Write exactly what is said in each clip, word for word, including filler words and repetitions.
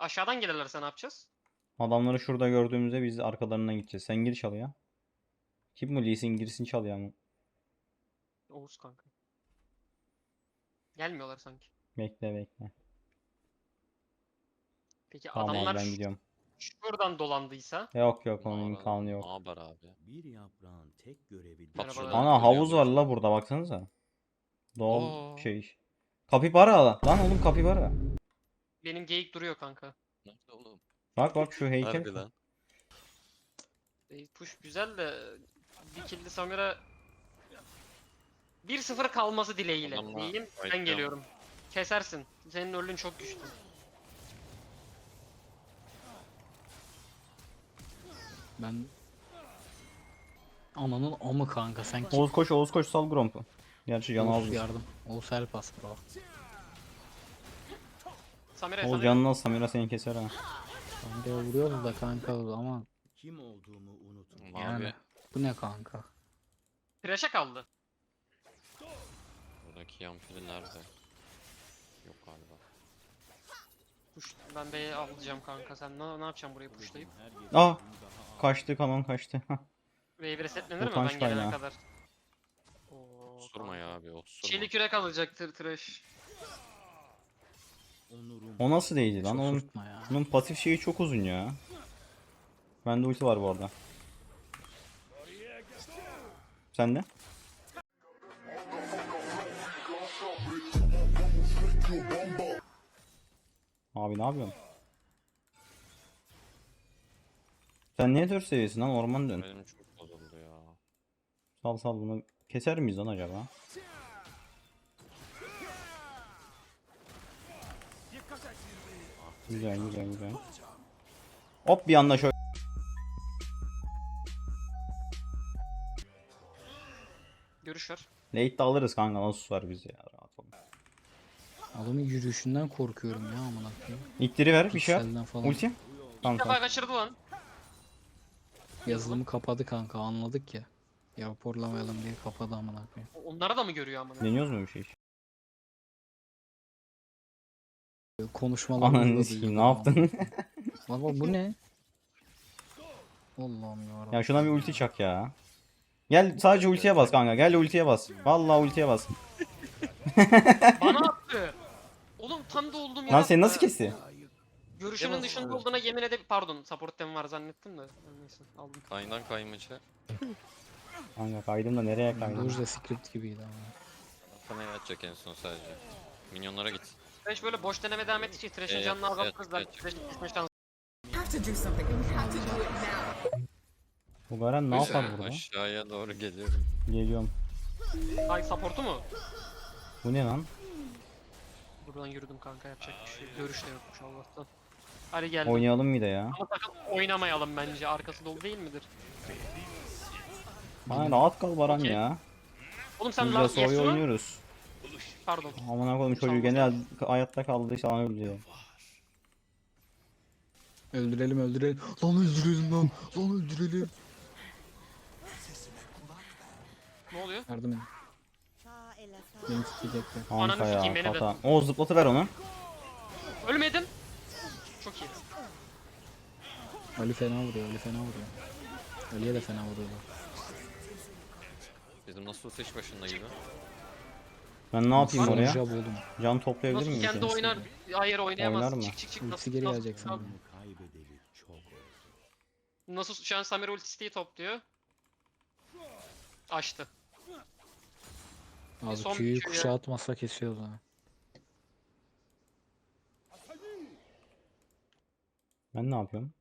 Aşağıdan gelirlerse ne yapacağız? Adamları şurada gördüğümüzde biz arkalarından gideceğiz. Sen gir çal ya. Kim bu Lee Sin girsin çal ya. Oğuz kanka. Gelmiyorlar sanki. Bekle bekle. Peki Tamam abi adamlar ben ş- gidiyorum. şuradan dolandıysa. Yok yok onun Ne imkanı yok. haber abi? Bir yaprağın tek görevi Bak Merhabalar. şuradan Ana havuz var görüyoruz. la burada baksanıza. Doğal Aa. şey. Kapibara lan oğlum kapibara. Benim geyik duruyor kanka. Nerede oğlum? Bak bak şu heykel. Harbi lan. E, push güzel de bir killi Samira bir sıfır kalması dileğiyle Adamla diyeyim. Ben fight'lıyorum. geliyorum. Kesersin. Senin ölün çok güçlü. Ben ananın amı kanka sen kim? Oğuz koş Oğuz koş sal Gromp'u. Gerçi canı Oğuz az. yardım. Oğuz help us bro. Samira Oğuz Samira. canını az Samira seni keser ha. Kanka vuruyoruz da kanka ama kim olduğumu unutma. Abi yani bu ne kanka? Trash'e kaldı. buradaki yampiri nerede? Yok galiba. Push. Ben B'ye alacağım kanka. Sen ne, ne yapacaksın burayı pushlayıp? Ah! Kaçtı kanon kaçtı. Wave resetlenir mi Utanç ben gelene kaynağı. kadar? Oo, Osurma kanka. ya abi osurma. Çelik yürek alacaktır trash. Onurum. O nasıl değdi lan? Çok Onun, sürtme ya. onun pasif şeyi çok uzun ya. Bende ulti var bu arada. Sende? Abi ne yapıyorsun? Sen niye dört seviyesin lan orman dön. Benim çok bozuldu ya. Sal sal bunu keser miyiz lan acaba? Güzel güzel güzel. Hop bir anda şöyle. Görüş ver. Late'de alırız kanka nasıl var biz ya rahat ol. Adamın yürüyüşünden korkuyorum ya amına koyayım. İttiri ver bir şey yap. Pikselden falan. Ulti. Tamam İlk defa tamam. kaçırdı lan. Yazılımı kapadı kanka anladık ya. Ya raporlamayalım diye kapadı amına koyayım. Onlara da mı görüyor amına? Deniyoruz mu bir şey? Konuşmalarımızı Ananı da sikeyim duyuyor ne yaptın? Bak bak bu ne? Allah'ım yarabbim. Ya şuna bir ulti çak ya. Gel sadece ultiye bas kanka. Gel ultiye bas. Vallahi ultiye bas. Bana attı. Oğlum tam da olduğum yere Lan seni nasıl attı. kesti? Görüşümün Yemez dışında abi. olduğuna yemin edip pardon support tem var zannettim de. Neyse aldım. Kayından kaymacı. Kanka kaydım da nereye kaydım? Doge de script gibiydi ama. Sana yatacak en son sadece. Minyonlara git. Trash böyle boş deneme devam ettikçe Trash'in Evet, canını evet, azaltırız. evet. Belki Trash'in kesme şansı. have to do something and we have to do it now. Bu Garen ne yapar burada? Aşağıya doğru geliyorum. Geliyorum. Ay support'u mu? Bu ne lan? Buradan yürüdüm kanka yapacak bir şey. Görüş de yokmuş Allah'tan. Hadi geldim. Oynayalım mı da ya? Ama sakın oynamayalım bence. Arkası dolu değil midir? Bana rahat kal Baran Okey. ya. Oğlum sen Biz lan de soyu Yasuo. oynuyoruz. Pardon. Amına koydum çocuğu gene hayatta kaldı sana öldü. Öldürelim öldürelim. Lan öldürelim lan. Lan öldürelim. Ne oluyor? Yardım edin. Beni tutacaklar. Ananı Kanka sikeyim, ya beni de. hata. O zıplatıver onu. Ölmedim. Çok iyi. Ali fena vuruyor Ali fena vuruyor. Ali'ye de fena vuruyorlar. Bizim nasıl seç başında gibi. Ben ne yapayım Var mı? oraya? Jab oğlum. Can toplayabilir Nasıl miyim? kendi kendisi? oynar? Hayır oynayamaz. Oynar mı? Çık çık çık. Ultisi Nasıl, geri nasıl, gelecek sanırım. Kaybedeli çok oldu. nasıl şu an Samir ultisiyi topluyor. Açtı. Abi son Q'yu bir Q ya. kuşağı atmazsa kesiyoruz ha. Ben ne yapıyorum?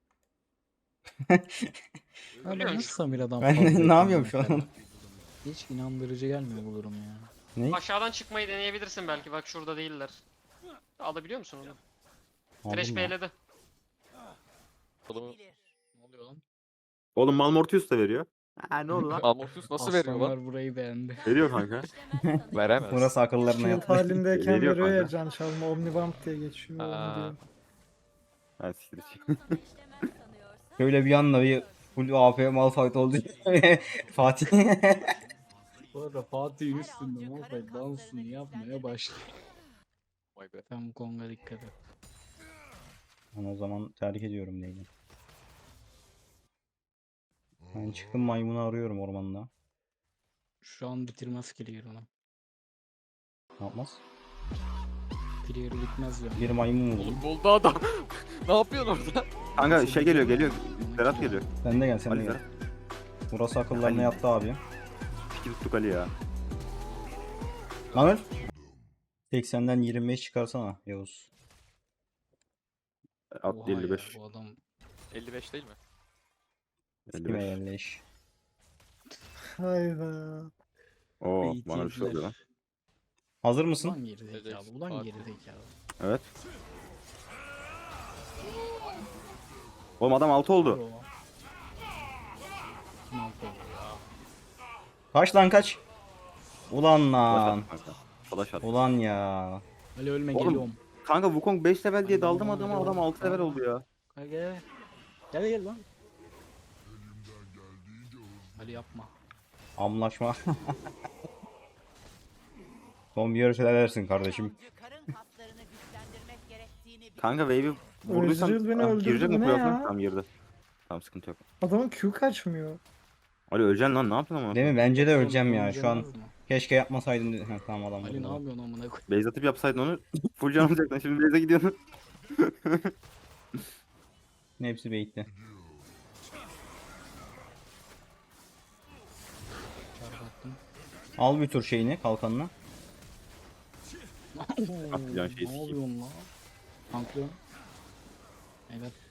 Abi Biliyorum. nasıl Samira'dan Ben fazla ne bekliyorum yapıyorum şu mesela? an? Hiç inandırıcı gelmiyor bu durum ya. Ne? Aşağıdan çıkmayı deneyebilirsin belki. Bak şurada değiller. Alabiliyor musun onu? Trash Aldım ya. B'ledi. Oğlum Ne oluyor lan? Oğlum Malmortius da veriyor. Ha ne oldu lan? Malmortius nasıl veriyor lan? Aslanlar burayı beğendi. Veriyor kanka. Veremez. Burası akıllarına Shield yatır. halindeyken Veriyor veriyor ya kanka. can çalma Omnibump diye geçiyor. onu Aa. diyor. Ha siktir için. Şöyle bir anda bir full A P Malphite oldu. Fatih. Bu arada Fatih'in üstünde Malphite dansını yapmaya başladı. Vay be. Sen bu Kong'a dikkat et. Ben o zaman terk ediyorum Leyla. Ben çıktım maymunu arıyorum ormanda. Şu an bitirmez Clear onu. Ne yapmaz? Clear bitmez diyorum. Bir maymun buldum. Oğlum buldu adam. Ne yapıyorsun orada? Kanka şey geliyor geliyor. Berat geliyor. Sen de gel sen de Ali gel. Berat. Burası akıllarına Ali. yattı abi. Piki tuttuk Ali ya. Lan öl. seksenden yirmi beş çıkarsana Yavuz. At Oha ya, elli beş. bu adam elli beş değil mi? elli Kime beş. yerleş. Hayda. Oo bana bir şey eğitimciler. oluyor lan. Hazır mısın? Ulan geri zekalı. Ulan Farklı. geri zekalı. Evet. Oğlum adam altı oldu. Bro. Kim altı oldu ya? Kaç lan kaç. Ulan Flash lan. at kanka. Flash at. Ulan ya. Ali ölme Oğlum, geliyorum. Kanka Wukong beş level diye Hadi daldım oğlum, adama hadi adam oğlum. altı level oldu ya. Gel gel. Gel gel lan. Ali yapma. Anlaşma. Son bir yarış edersin kardeşim. Kanka wave'i vurduysan Özgür beni Ah, öldürdü, girecek bu mi ne playoff'a? ya? Tamam girdi. Tamam sıkıntı yok. Adamın Q kaçmıyor. Ali öleceksin lan ne yaptın ama? Değil mi? Bence de öleceğim Oğlum, ya şu an. öleceğiz mi? Keşke yapmasaydım dedi. Ha, tamam adam. Ali ne vurdu. yapıyorsun amına koy. Base atıp yapsaydın onu full can alacaktın. Şimdi base'e gidiyorsun. Hepsi bait'ti. Çarpattım. Al bir tur şeyini kalkanını. Atlayacağın şeyi Ne sikeyim. yapıyorsun lan? Tanklıyorum. Evet.